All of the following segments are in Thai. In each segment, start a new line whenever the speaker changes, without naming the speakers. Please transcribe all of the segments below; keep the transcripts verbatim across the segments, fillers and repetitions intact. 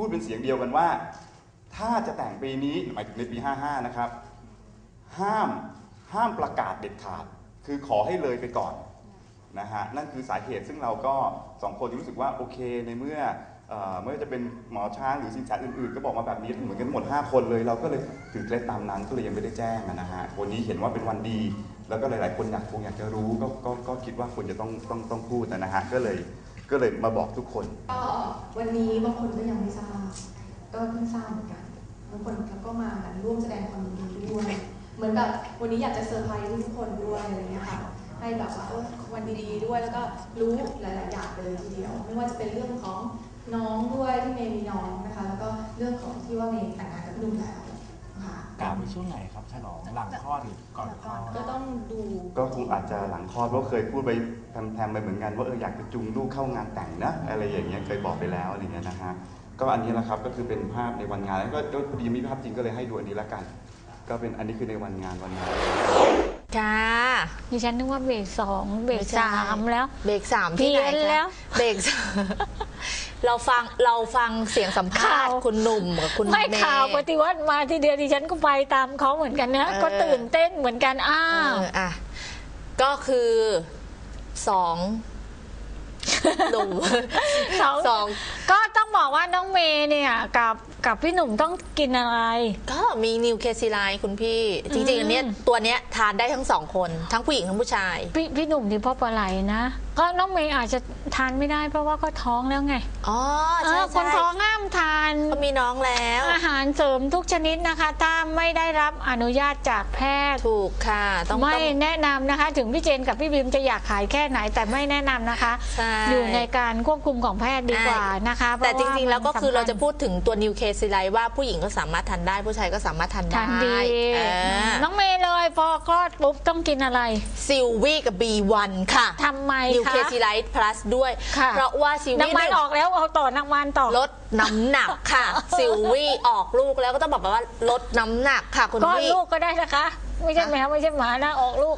พูดเป็นเสียงเดียวกันว่าถ้าจะแต่งปีนี้หมายถึงในปีห้าห้านะครับห้ามห้ามประกาศเด็ดขาดคือขอให้เลยไปก่อนนะฮะนั่นคือสาเหตุซึ่งเราก็สองคนรู้สึกว่าโอเคในเมื่อไม่ว่าจะเป็นหมอช้างหรือสินแสอื่นๆก็บอกมาแบบนี้เหมือนกันหมดห้าคนเลยเราก็เลยถือเคล็ดตามนั้นก็เลยยังไม่ได้แจ้งนะฮะวันนี้เห็นว่าเป็นวันดีแล้วก็หลายๆคนอยากคงอยากจะรู้ก็ก็ก็คิดว่าควรจะต้องต้องต้องพูดนะฮะก็เลยก็เลยมาบอกทุกคน
ก็วันนี้บางคนก็ยังไม่ทราบก็เพิ่งทราบเหมือนกันบางคนก็มาร่วมแสดงความยินดีด้วยเหมือนแบบวันนี้อยากจะเซอร์ไพรส์ทุกคนด้วยอะไรเงี้ยค่ะให้แบบว่าวันดีๆด้วยแล้วก็รู้หลายๆอย่างไปเลยทีเดียวไม่ว่าจะเป็นเรื่องของน้องด้วยที่เมย์มีน้องนะคะแล้วก็เรื่องของที่ว่าเมย์แต่งงานกับนุ่มแล้วค่ะ
การในช่วงไหนครับฉลองหลังคลอดหรือก่อนคลอด
ก็ต้องดู
ก็คงอาจจะหลังคลอดเพราะเคยพูดไปแพมๆไปเหมือนกันว่าเอออยากจะจูงลูกเข้างานแต่งนะอะไรอย่างเงี้ยเคยบอกไปแล้วอะไรเงี้ยนะฮะก็อันนี้แหละครับก็คือเป็นภาพในวันงานแล้วก็พอดีมีภาพจริงก็เลยให้ดูอันนี้ละกันก็เป็นอันนี้คือในวันงานวันงาน
ค่ะ
ดิฉันนึกว่าเบรกสองเบรกสามแล้ว
เบรกสามที่ไหนคะเบรกเราฟังเราฟังเสียงสัมภาษณ์คุณหนุ่มกับคุณเมย์
ไม่ข่าวปฏิวัติมาทีเดียวดิฉันก็ไปตามเขาเหมือนกันนะก็ตื่นเต้นเหมือนกันอ้าว
อ่ะก็คือสองหนุ่ม
สองก็ต้องบอกว่าน้องเมย์เนี่ยกับกับพี่หนุ่มต้องกินอะไร
ก็มีนิวเคซีไลน์คุณพี่จริงๆอันนี้ตัวเนี้ยทานได้ทั้งสองคนทั้งผู้หญิงทั้งผู้ชาย
พี่พี่หนุ่มที่พ่อปลาไหลนะก็น้องเมย์อาจจะทานไม่ได้เพราะว่าก็ท้องแล้วไง
อ๋อใช่
คนท้องห้ามทาน
เขามีน้องแล้ว
อาหารเสริมทุกชนิดนะคะถ้าไม่ได้รับอนุญาตจากแพทย์
ถูกค่ะ
ต้องไม่แนะนำนะคะถึงพี่เจนกับพี่บิมจะอยากขายแค่ไหนแต่ไม่แนะนำนะคะอยู่ในการควบคุมของแพทย์ดีกว่านะคะ
แต่จริงๆแล้วก็คือเราจะพูดถึงตัวนิวเคซีไลน์ว่าผู้หญิงก็สามารถทานได้ผู้ชายก็สามารถทานได้
น้องเมย์เลยพอคลอดปุ๊บต้องกินอะไร
ซิลวี่กับ บี วัน ค่ะ
ทำไม
นิวเคซีไลน์พลัสด้วยเพราะว่าซิลวี่
น้ำมันออกแล้วเอาต่อน้ำมันต่อ
ลดน้ำหนักค่ะซิลวี่ออกลูกแล้วก็ต้องบอกว่าลดน้ำหนักค่ะคุณพี่
ก็ลูกก็ได้นะคะไม่ใช่แมวไม่ใช่หมานะออกลูก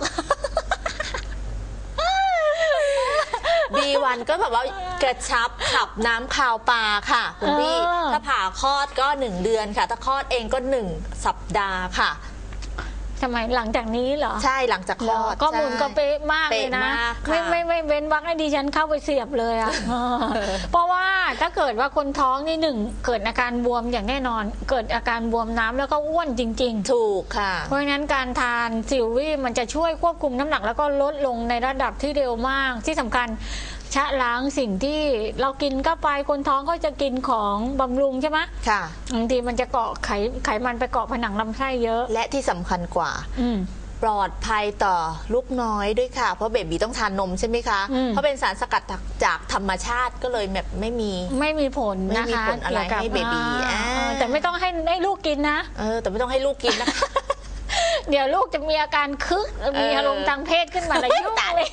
บี วัน ก็แบบว่ากระชับขับน้ำคาวปลาค่ะคุณพี่ถ้าผ่าคลอดก็หนึ่งเดือนค่ะถ้าคลอดเองก็หนึ่งสัปดาห์ค่ะ
ทำไมหลังจากนี้เหรอ
ใช่หลังจากคลอด
ก็มูลก็เป๊ะมากเลยนะไม่ไม่ไม่เว้นวรรคให้ดิฉันเข้าไปเสียบเลยอ่ะเพราะว่าถ้าเกิดว่าคนท้องนี่หนึ่งเกิดอาการบวมอย่างแน่นอนเกิดอาการบวมน้ำแล้วก็อ้วนจริงๆ
ถูกค่ะ
เพราะฉะนั้นการทานซิลวี่มันจะช่วยควบคุมน้ำหนักแล้วก็ลดลงในระดับที่เร็วมากที่สำคัญชะล้างสิ่งที่เรากินเข้าไปคนท้องก็จะกินของบำรุงใช่ไหม
ค่ะ
บางทีมันจะเกาะไขไขมันไปเกาะผนังลำไส้เยอะ
และที่สำคัญกว่าปลอดภัยต่อลูกน้อยด้วยค่ะเพราะเบบีต้องทานนมใช่ไหมคะเพราะเป็นสารสกัดจากธรรมชาติก็เลยแบบไม่มี
ไม่มีผลนะคะ
ไม่มีผลอะไรให้เบบี
แต่ไม่ต้องให้ให้ลูกกินนะ
เออแต่ไม่ต้องให้ลูกกินนะ
เดี๋ยวลูกจะมีอาการคึกมีอารมณ์ทางเพศขึ้นมาแล้วยุ่งเลย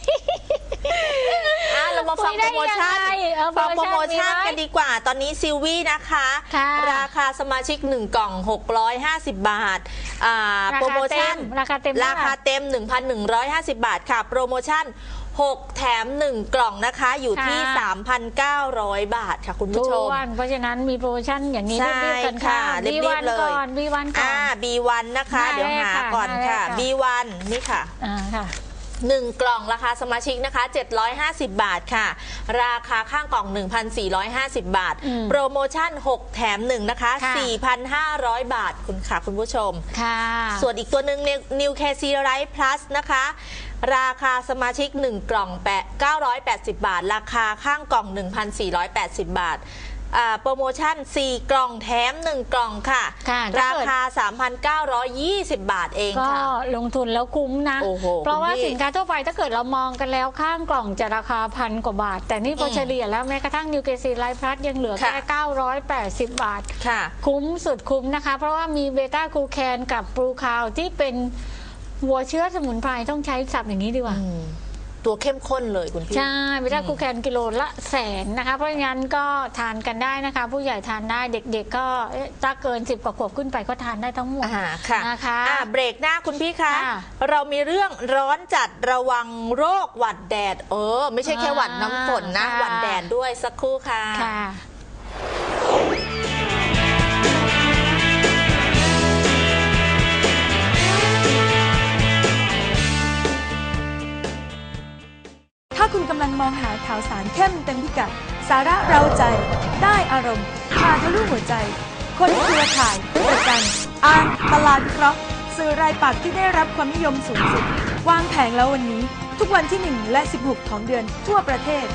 เรามาฟังโปรโมชั่นฟังโปรโมชั่นกันดีกว่าตอนนี้ซิลวี่นะคะราคาสมาชิกหนึ่งกล่องหกร้อยห้าสิบบาทโปรโมชั่น
ราคาเต็ม
ราคาเต็ม หนึ่งพันหนึ่งร้อยห้าสิบบาทค่ะโปรโมชั่นหกแถมหนึ่งกล่องนะคะอยู่ที่ สามพันเก้าร้อย บาทค่ะคุณผู้ชม
เพราะฉะนั้นมีโปรโมชั่นอย่างนี้รีบๆกันค่ะ
รีบๆเลย
บี วัน ก่อน
บี วัน นะคะเดี๋ยวหาก่อนค่ะ บี วัน นี่ค่ะ
อ่าค่ะ
หนึ่งกล่องราคาสมาชิกนะคะเจ็ดร้อยห้าสิบบาทค่ะราคาข้างกล่อง หนึ่งพันสี่ร้อยห้าสิบบาทโปรโมชั่นหกแถมหนึ่งนะคะ สี่พันห้าร้อย บาทคุณค่ะคุณผู้ชม
ค่ะ
ส่วนอีกตัวหนึ่ง Newเค ซี Life Plus นะคะราคาสมาชิกหนึ่งกล่องเก้าร้อยแปดสิบบาทราคาข้างกล่อง หนึ่งพันสี่ร้อยแปดสิบบาทโปรโมชั่นสี่กล่องแถมหนึ่งกล่องค่ะราคา สามพันเก้าร้อยยี่สิบบาทเองค่ะ
ก็ลงทุนแล้วคุ้มนะเพราะว่าสินค้าทั่วไปถ้าเกิดเรามองกันแล้วข้างกล่องจะราคาพันกว่าบาทแต่นี่พอเฉลี่ยแล้วแม้กระทั่งนิวเคซีไลฟ์พลัสยังเหลือแค่เก้าร้อยแปดสิบบาทคุ้มสุดคุ้มนะคะเพราะว่ามีเบต้ากลูแคนกับปรูคาวที่เป็นวัวเชื้อสมุนไพรต้องใช้ศัพท์อย่างนี้ดีกว่า
ตัวเข้มข้นเลยคุณพี่
ใช่เบต้ากลูแคนกิโลละแสนนะคะเพราะงั้นก็ทานกันได้นะคะผู้ใหญ่ทานได้เด็กๆก็ถ้าเกินสิบกว่าขวบขึ้นไปก็ทานได้ทั้งหมดนะคะ
เบรกหน้าคุณพี่คะเรามีเรื่องร้อนจัดระวังโรคหวัดแดดเออไม่ใช่แค่หวัดน้ำฝนนะหวัดแดดด้วยสักครู่ค่ะ
มองหาข่าวสารเข้มเต็มพิกัดสาระเราใจได้อารมณ์พาทะลุหัวใจคนเครือข่ายประกันอ่านตลาดวิเคราะห์สื่อรายปักษ์ที่ได้รับความนิยมสูงสุดวางแผงแล้ววันนี้ทุกวันที่หนึ่งและสิบหกของเดือนทั่วประเทศ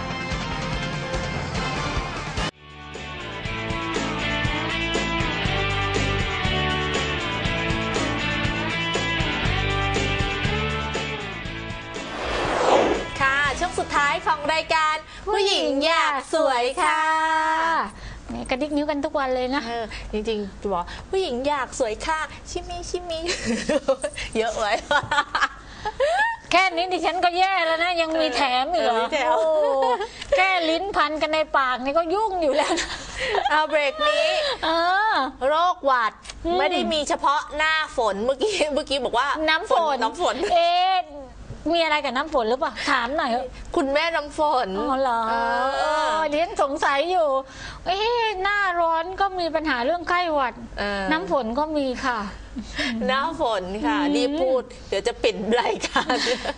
ช่วงสุดท้ายของรายการผู้หญิงอยากสวยค่ะ
เนี่ยกระดิกนิ้วกันทุกวันเลยนะ
เออจริงๆจะบอกผู้หญิงอยากสวยค่ะชิมิชิมิ เยอะไว้
แค่นี้ดิฉันก็แย่แล้วนะยังมีแถมอีกเหรอโอ้แค่ลิ้นพันกันในปากนี่ก็ยุ่งอยู่แล้วนะ
เอาเบรกนี้โรคหวัดไม่ได้มีเฉพาะหน้าฝนเมื่อกี้เมื่อกี้บอกว่า
น้ำฝน
น้ำฝน
เอ๊ะมีอะไรกับน้ำฝนหรือเปล่าถามหน่อย
คุณแม่น้ำฝน
อ๋อเหรอเดี๋ยวสงสัยอยู่เอ๊ะหน้าร้อนก็มีปัญหาเรื่องไข้หวัดน้ำฝนก็มีค่ะ
น้ำฝนค่ะรีบพูดเดี๋ยวจะปิดรายการ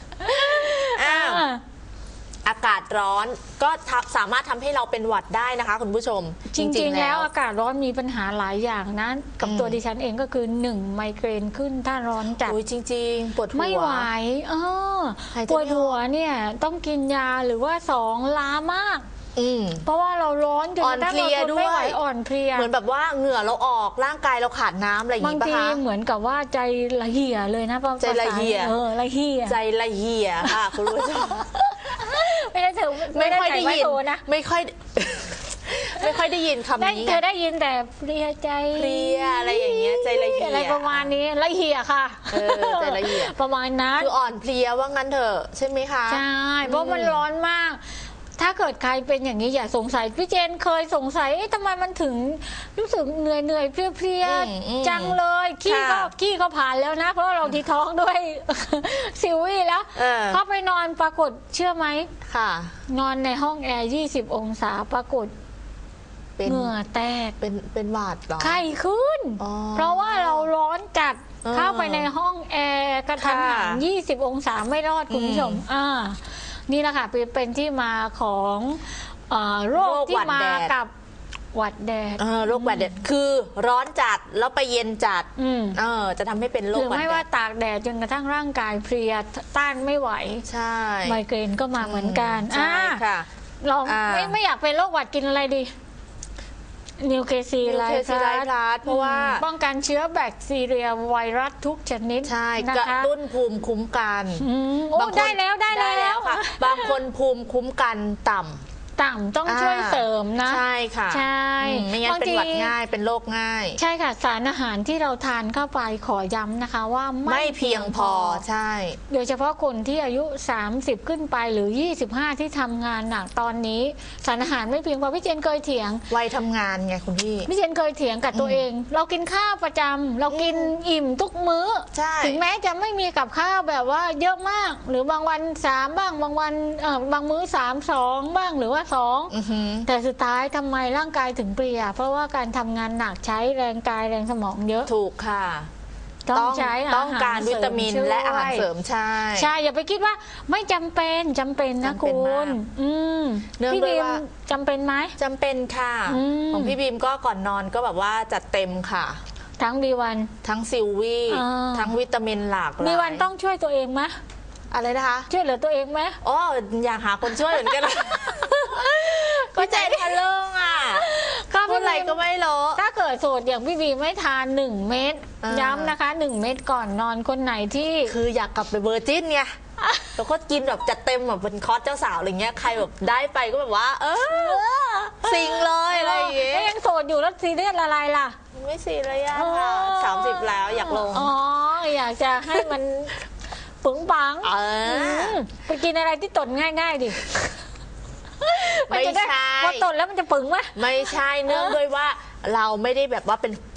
อากาศร้อนก็สามารถทำให้เราเป็นหวัดได้นะคะคุณผู้ชม
จริงๆแล้วอากาศร้อนมีปัญหาหลายอย่างนะกับตัวดิฉันเองก็คือหนึ่งไมเกรนขึ้นถ้าร้อนจัด
จริงๆปวดหัว
ไม่ไหวเออปวดหัวเนี่ยต้องกินยาหรือว่าสองล้ามากเพราะว่าเราร้อนจนกระทั่งเราทนไม่ไหวอ่อนเพลีย
เหมือนแบบว่าเหงื่อเราออกร่างกายเราขาดน้ำอะไรอย่างนี้ป่ะคะ
บางทีเหมือนกับว่าใจละเหี่ยเลยนะ
ใจละเหี่ย
เออละเหี่ย
ใจละเหี่ยค่ะคุณผู้ชม
ไม่ได้ถือ
ไม่ค่อยได้ยินนะไม่ค่อยไม่ค่อยได้ยินคำนี้
เธอได้ยินแต่เพลียใจ
เพลียอะไรอย่างเงี้ยใจละเหี่ย
อะไรประมาณนี้ละเหี่ยค่ะ
ใจละเหี่ย
ประมาณนั้น
คืออ่อนเพลียว่างั้นเถอะใช่ไหมคะ
ใช่เพราะมันร้อนมากถ้าเกิดใครเป็นอย่างนี้อย่าสงสัยพี่เจนเคยสงสัยทำไมมันถึงรู้สึกเหนื่อยเหนื่อยเพลียๆจังเลยขี้ก็ขี้ก็ผ่านแล้วนะเพราะเราดีท้องด้วยซิวี่แล้วเข้าไปนอนปรากฏเชื่อไหม
ค่ะ
นอนในห้องแอร์ยี่สิบองศาปรากฏเหงื่อแตก
เป็นเป็นหวัดหรอ
ไข้ขึ้นเพราะว่าเราร้อนจัดเข้าไปในห้องแอร์กระทันหันยี่สิบองศาไม่รอดคุณผู้ชมอ่านี่แหละค่ะเป็นที่มาของโรคที่มากับหวัดแดด
โรคหวัดแดดคือร้อนจัดแล้วไปเย็นจัดเออจะทำให้เป็นโรคหวัดแดดหรือ
ไม่ว่าตากแดดจนกระทั่งร่างกายเพลียต้านไม่ไหว
ใช่
ไมเกรนก็มาเหมือนกัน
ใช่ค่ะ
ลองไม่ไม่อยากเป็นโรคหวัดกินอะไรดีนิวเคซีไลพลัส
เพราะว่า
ป้องกันเชื้อแบคทีเรียไวรัสทุกชนิด
ใช่กระตุ้นภูมิคุ้มกัน
ได้แล้วได้แล้ว
ค่ะบางคนภูมิคุ้มกันต่ำ
ต่ำต้องช่วยเสริมนะ
ใช่ค่ะ
ใช่
ไม่งั้นเป็นหวัดง่ายเป็นโรคง่าย
ใช่ค่ะสารอาหารที่เราทานเข้าไปขอย้ำนะคะว่า
ไม่เพียงพอใช่
โดยเฉพาะคนที่อายุสามสิบขึ้นไปหรือยี่สิบห้าที่ทำงานหนักตอนนี้สารอาหารไม่เพียงพอพี่เจนเคยเถียง
วัยทำงานไงคุณพี่
พี่เจนเคยเถียงกับตัวเองเรากินข้าวประจำเรากินอิ่มทุกมื้อถึงแม้จะไม่มีกับข้าวแบบว่าเยอะมากหรือบางวันสามบ้างบางวันเออบางมื้อสามสองบ้างหรือว่าสองแต่สุดท้ายทำไมร่างกายถึงเปลี่ยเพราะว่าการทำงานหนักใช้แรงกายแรงสมองเยอะ
ถูกค่ะ
ต้องใช้
ต้องการวิตามินและอาหารเสริมใช่
ใช่อย่าไปคิดว่าไม่จำเป็นจำเป็นนะคุณพี่บีมจำเป็นไหม
จำเป็นค่ะของพี่บีมก็ก่อนนอนก็แบบว่าจัดเต็มค่ะ
ทั้งบีวัน
ทั้งซิลวี่ทั้งวิตามินหลากหลาย
บีวันต้องช่วยตัวเองไหม
อะไรนะคะ
ช่วยเหลือตัวเองไหม
อ๋ออยากหาคนช่วยเหมือนกันก็ใจทะลึ่งอ่ะพูดอะไรก็ไม่รู้
ถ้าเกิดโสดอย่างพี่บีไม่ทานหนึ่งเม็ดย้ำนะคะหนึ่งเม็ดก่อนนอนคนไหนที่
คืออยากกลับไปเวอร์จินไงแล้วก็กินแบบจัดเต็มแบบเป็นคอร์สเจ้าสาวอะไรเงี้ยใครแบบได้ไปก็แบบว่าเออสิงเลยอะไรอย่างเงี้ย
ยังโสดอยู่แล้วซีเรียสอะไรล่ะ
ไม่ซีเรียสค่ะสามสิบแล้วอยากลง
อ๋ออยากจะให้มันปึ๋งปังไปกินอะไรที่ตดง่ายๆดิ
ไม่ใช่
พอตดแล้วมันจะปึ๋งไหม
ไม่ใช่เนื่องด้วยว่าเราไม่ได้แบบว่าเป็น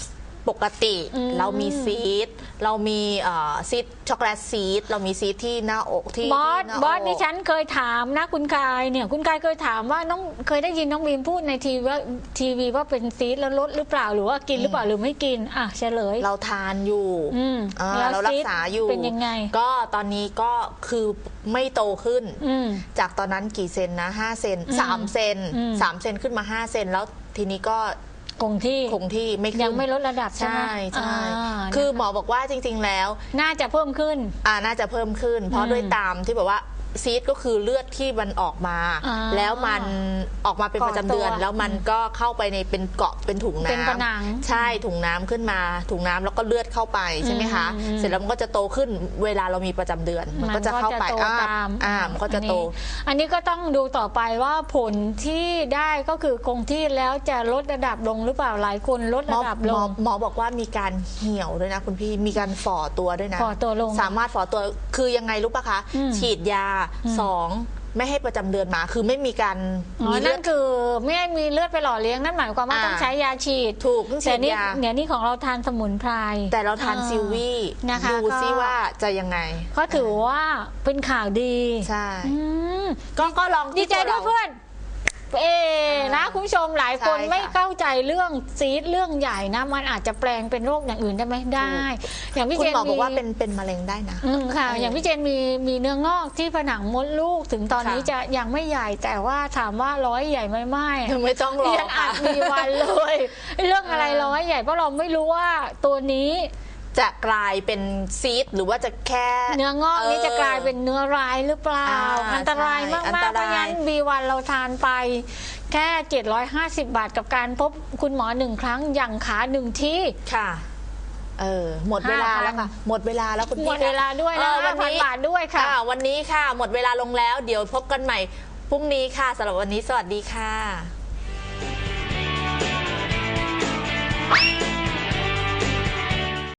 ปกติ
อืม
เรามีซีดเรามีเอ่อซีดช็อกโกแลตซีดเรามีซีดที่หน้าอกที่
บอส
ที่หน้า
บอส
อก
ดิฉันเคยถามนะคุณกายเนี่ยคุณกายเคยถามว่าน้องเคยได้ยินน้องบีมพูดในทีวีว่าทีวีว่าเป็นซีดแล้วลดหรือเปล่าหรือว่ากินหรือเปล่าหรือไม่กินอ่ะเฉลย
เราทานอยู่
อืม
อ่า
แล้ว
เรารักษาอยู่
เป็นยังไง
ก็ตอนนี้ก็คือไม่โตขึ้น
อืม
จากตอนนั้นกี่เซนนะห้าเซน
อืม
สามเซน
อืม
สามเซนขึ้นมาห้าเซนแล้วทีนี้ก็
คงที่
คงที่ไม่ขึ้น
ยังไม่ลดระดับใช่ไหม
ใช่ใช่
อ่า
คือหมอบอกว่าจริง ๆ แล้ว
น่าจะเพิ่มขึ้น
อ่าน่าจะเพิ่มขึ้น เพ
อื
ราะ
ม
ด้วยตามที่แบบว่าซีดก็คือเลือดที่มันออกมา
อ่า
แล้วมันออกมาเป็น
เกาะ
ประจำเดือน
ตัว
แล้วมันก็เข้าไปในเป็นเกาะเป็นถุงน้ำ
เป็นผนัง
ใช่ถุงน้ำขึ้นมาถุงน้ำแล้วก็เลือดเข้าไปใช่ไหมคะ
อืม
เสร็จแล้วมันก็จะโตขึ้นเวลาเรามีประจำเดือน มันก็จะเข้าไป
โต
อ่า
ตาม
อ่ามันก็จะโต
อันนี้อันนี้ก็ต้องดูต่อไปว่าผลที่ได้ก็คือคงที่แล้วจะลดระดับลงหรือเปล่าหลายคนลด
หมอ
ระดับ
ห
ล
มอง หมอบอกว่ามีการเหี่ยวด้วยนะคุณพี่มีการฝ่อตัวด้วยนะ
ฝ่อตัวลง
สามารถฝ่อตัวคือยังไงรู้ปะคะ
อืม
ฉีดยา
อืม
สองไม่ให้ประจำเดือนมาคือไม่มีการ
อ๋อ
มีเลื
นั่
อด
นคือไม่ให้มีเลือดไปหล่อเลี้ยงนั่นหมายความว่า
อ่า
ต้องใช้ยาฉีด
ถูกต้องฉี
แต่
ด
นี่
ยา
เนี่ยนี่ของเราทานสมุนไพร
แต่เราทาน
อ่า
ซิลวี่
นะคะ
ดู
ก็
ซิว่าจะยังไง
ก็ถือว่าเป็นข่าวดี
ใช่
อืม
ก็ก็ลอง
ดี
ที่
ใจ
ตัว
ด้วย
เรา
เพื่อนเอนะคุณผู้ชมหลายคน
ใช่ค่ะ
ไม่เข้าใจเรื่องซีดเรื่องใหญ่นะมันอาจจะแปลงเป็นโรคอย่างอื่นได้ไหมได้ อย่างพี่
คุ
เจ
ณ
น
หมอบอก
มี
ว่าเป็นเป็นมะเร็งได้นะ
อืมค่ะ
เออ
อ
อย่าง
พี่เจนมีมีเนื้องอกที่ผนังมดลูกถึงตอนนี้
ค่ะ
จะยังไม่ใหญ่แต่ว่าถามว่าร้อยใหญ่ไหมไม่
ยังไม่ต้องรอ
เรียนอา
ค่ะ
จมีวันเลย เรื่องอะไรร้อยใหญ่เพราะเราไม่รู้ว่าตัวนี้
จะกลายเป็นซีดหรือว่าจะแค่
เนื้องอกนี่จะกลายเป็นเนื้อร้ายหรือเปล่า
อ่า
อันตรายมาก
ใช่อัน
ๆ
ต
เพ
ราย
ราะฉะนั้นบีวันเราทานไปแค่เจ็ดร้อยห้าสิบบาทกับการพบคุณหมอหนึ่งครั้งอย่างขาหนึ่งที่
ค่ะเออหมดเวลา
ห้าพัน
แล้วค่ะหมดเวลาแล้วคุณ
หม
พี่
ดเวลาด้วย
เอ
นะ
อวั
ห้าน พัน
นี้
บาทด้วยค่ะ
วันนี้ค่ะ หมดเวลาลงแล้ว เดี๋ยวพบกันใหม่พรุ่งนี้ค่ะสำหรับวันนี้สวัสดีค่ะ